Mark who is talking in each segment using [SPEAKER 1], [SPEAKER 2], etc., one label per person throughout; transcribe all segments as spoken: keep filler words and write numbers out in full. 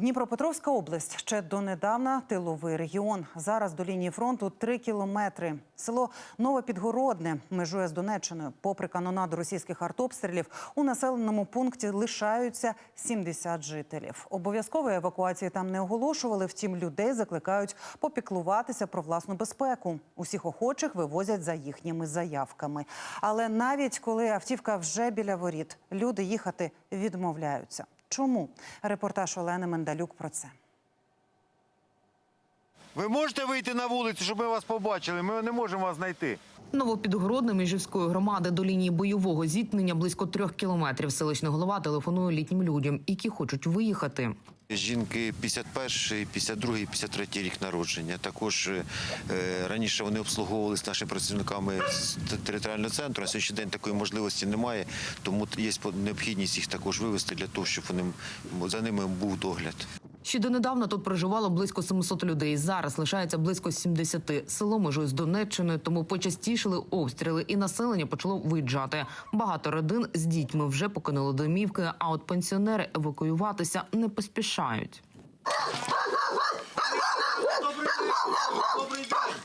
[SPEAKER 1] Дніпропетровська область ще донедавна тиловий регіон. Зараз до лінії фронту три кілометри. Село Новопідгородне межує з Донеччиною. Попри канонаду російських артобстрілів, у населеному пункті лишаються сімдесят жителів. Обов'язкової евакуації там не оголошували, втім людей закликають попіклуватися про власну безпеку. Усіх охочих вивозять за їхніми заявками. Але навіть коли автівка вже біля воріт, люди їхати відмовляються. Чому? Репортаж Олени Мендалюк про це.
[SPEAKER 2] Ви можете вийти на вулицю, щоб ми вас побачили? Ми не можемо вас знайти.
[SPEAKER 3] Новопідгородне Межівської громади до лінії бойового зіткнення близько трьох кілометрів. Селищний голова телефонує літнім людям, які хочуть виїхати.
[SPEAKER 2] Жінки п'ятдесят перший, п'ятдесят другий, п'ятдесят третій рік народження. Також е, раніше вони обслуговувалися нашими працівниками з територіального центру. На сьогоднішній день такої можливості немає, тому є необхідність їх також вивезти для того, щоб вони, за ними був догляд.
[SPEAKER 3] Ще донедавна тут проживало близько сімсот людей. Зараз лишається близько сімдесят. Село межує з Донеччиною, тому почастішили обстріли і населення почало виїжджати. Багато родин з дітьми вже покинули домівки, а от пенсіонери евакуюватися не поспішають.
[SPEAKER 2] Добрий день! Добрий день!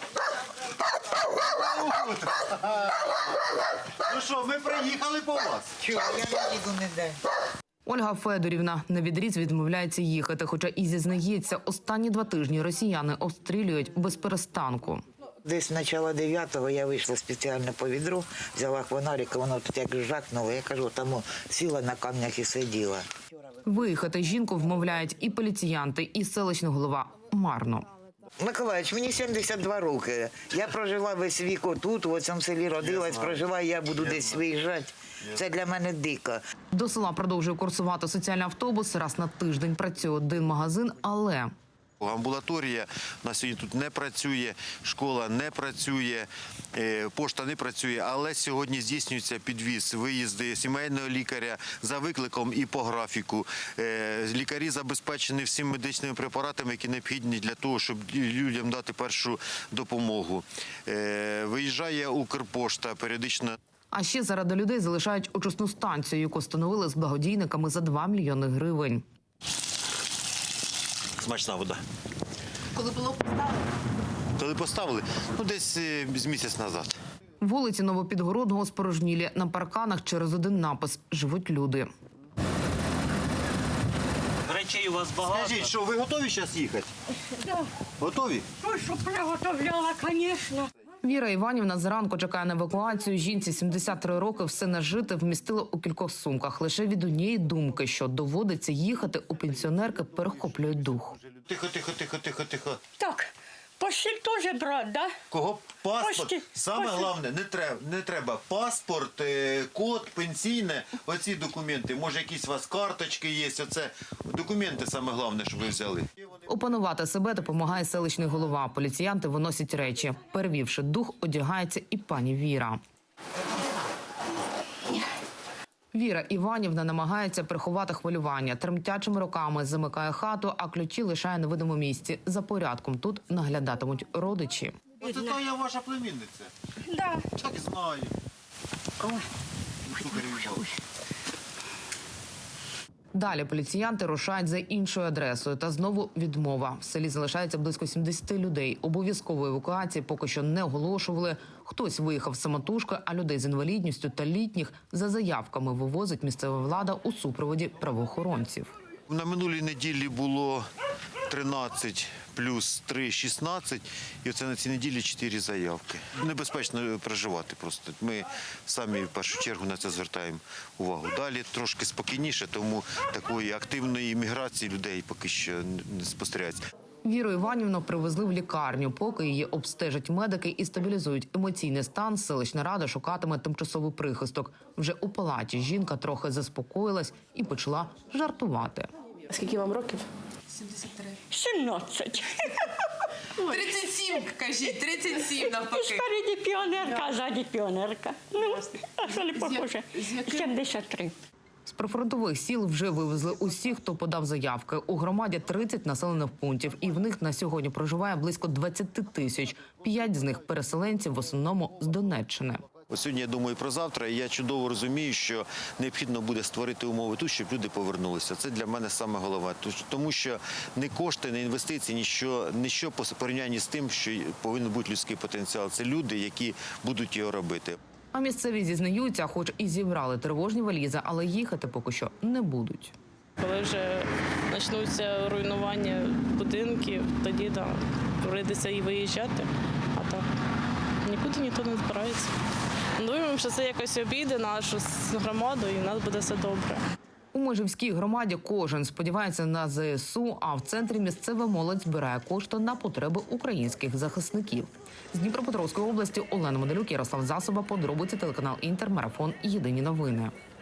[SPEAKER 2] Ну що, ми приїхали по вас?
[SPEAKER 4] Чого? Я не їду ніде.
[SPEAKER 3] Ольга Федорівна на відріз відмовляється їхати, хоча і зізнається, останні два тижні росіяни обстрілюють без перестанку.
[SPEAKER 4] Десь з начала дев'ятого я вийшла спеціально по відру, взяла фонарик, воно тут як жахнуло. Я кажу, там сіла на камнях і сиділа.
[SPEAKER 3] Виїхати жінку вмовляють і поліціянти, і селищний голова марно.
[SPEAKER 4] Миколаївич, мені сімдесят два роки. Я прожила весь вік тут, у цьому селі родилась, прожила, і я буду десь виїжджати. Це для мене дико.
[SPEAKER 3] До села продовжує курсувати соціальний автобус. Раз на тиждень працює один магазин, але...
[SPEAKER 2] Амбулаторія на сьогодні тут не працює, школа не працює, пошта не працює, але сьогодні здійснюється підвіз, виїзди сімейного лікаря за викликом і по графіку. Лікарі забезпечені всіми медичними препаратами, які необхідні для того, щоб людям дати першу допомогу. Виїжджає Укрпошта періодично.
[SPEAKER 3] А ще заради людей залишають очисну станцію, яку встановили з благодійниками за два мільйони гривень.
[SPEAKER 2] Смачна вода.
[SPEAKER 3] Коли було поставлено?
[SPEAKER 2] Коли поставили? Ну, десь з місяць назад.
[SPEAKER 3] Вулиці Новопідгородного спорожнілі. На парканах через один напис «Живуть люди».
[SPEAKER 5] Речей у вас багато.
[SPEAKER 2] Скажіть, що ви готові зараз їхати?
[SPEAKER 6] Да.
[SPEAKER 2] Готові?
[SPEAKER 6] Ой, що приготовляла, звісно.
[SPEAKER 3] Віра Іванівна зранку чекає на евакуацію. Жінці сімдесят три роки, все нажите вмістила у кількох сумках. Лише від однієї думки, що доводиться їхати, у пенсіонерки перехоплює дух.
[SPEAKER 2] Тихо, тихо, тихо, тихо, тихо.
[SPEAKER 6] Так, постіль теж брати, да?
[SPEAKER 2] Кого? Паспорт.
[SPEAKER 6] Пошті,
[SPEAKER 2] Саме
[SPEAKER 6] пошті.
[SPEAKER 2] головне, не треба, не треба паспорт, е, код, пенсійне, оці документи. Може, якісь у вас карточки є, оце документи саме головне, щоб ви взяли.
[SPEAKER 3] Опанувати себе допомагає селищний голова. Поліціянти виносять речі. Перевівши дух, одягається і пані Віра. Віра Іванівна намагається приховати хвилювання. Тремтячими руками замикає хату, а ключі лишає на видному місці. За порядком тут наглядатимуть родичі.
[SPEAKER 2] Оце то я ваша племінниця.
[SPEAKER 6] Да.
[SPEAKER 2] Так знаю.
[SPEAKER 6] Ой.
[SPEAKER 3] Далі поліціянти рушають за іншою адресою. Та знову відмова. В селі залишається близько сімдесят людей. Обов'язкової евакуації поки що не оголошували. Хтось виїхав самотужки, а людей з інвалідністю та літніх за заявками вивозить місцева влада у супроводі правоохоронців.
[SPEAKER 2] На минулій неділі було тринадцять плюс три – шістнадцять, і оце на цій неділі чотири заявки. Небезпечно проживати просто. Ми самі в першу чергу на це звертаємо увагу. Далі трошки спокійніше, тому такої активної міграції людей поки що не спостерігається.
[SPEAKER 3] Віру Іванівну привезли в лікарню. Поки її обстежать медики і стабілізують емоційний стан, селищна рада шукатиме тимчасовий прихисток. Вже у палаті жінка трохи заспокоїлась і почала жартувати.
[SPEAKER 7] Скільки вам років?
[SPEAKER 6] сімнадцять.
[SPEAKER 8] тридцять сім, кажіть, тридцять сім навпаки.
[SPEAKER 6] Спереді піонерка, а ззаді піонерка. Ну, а що не похоже? сімдесят три.
[SPEAKER 3] З прифронтових сіл вже вивезли усіх, хто подав заявки. У громаді тридцять населених пунктів, і в них на сьогодні проживає близько двадцять тисяч. П'ять з них – переселенці, в основному з Донеччини.
[SPEAKER 2] Сьогодні я думаю про завтра, і я чудово розумію, що необхідно буде створити умови тут, щоб люди повернулися. Це для мене саме головне. Тому що не кошти, не інвестиції, ніщо, ніщо по порівнянні з тим, що повинен бути людський потенціал. Це люди, які будуть його робити.
[SPEAKER 3] А місцеві зізнаються, хоч і зібрали тривожні валізи, але їхати поки що не будуть.
[SPEAKER 7] Коли вже почнуться руйнування будинків, тоді да, прийдеться і виїжджати, а так нікуди ніхто не збирається. Думаємо, що це якось обійде нашу громаду і в нас буде все добре.
[SPEAKER 3] У Межівській громаді кожен сподівається на зе ес у, а в центрі місцева молодь збирає кошти на потреби українських захисників. З Дніпропетровської області Олена Моделюк, Ярослав Засоба, подробиці, телеканал Інтер, марафон «Єдині новини».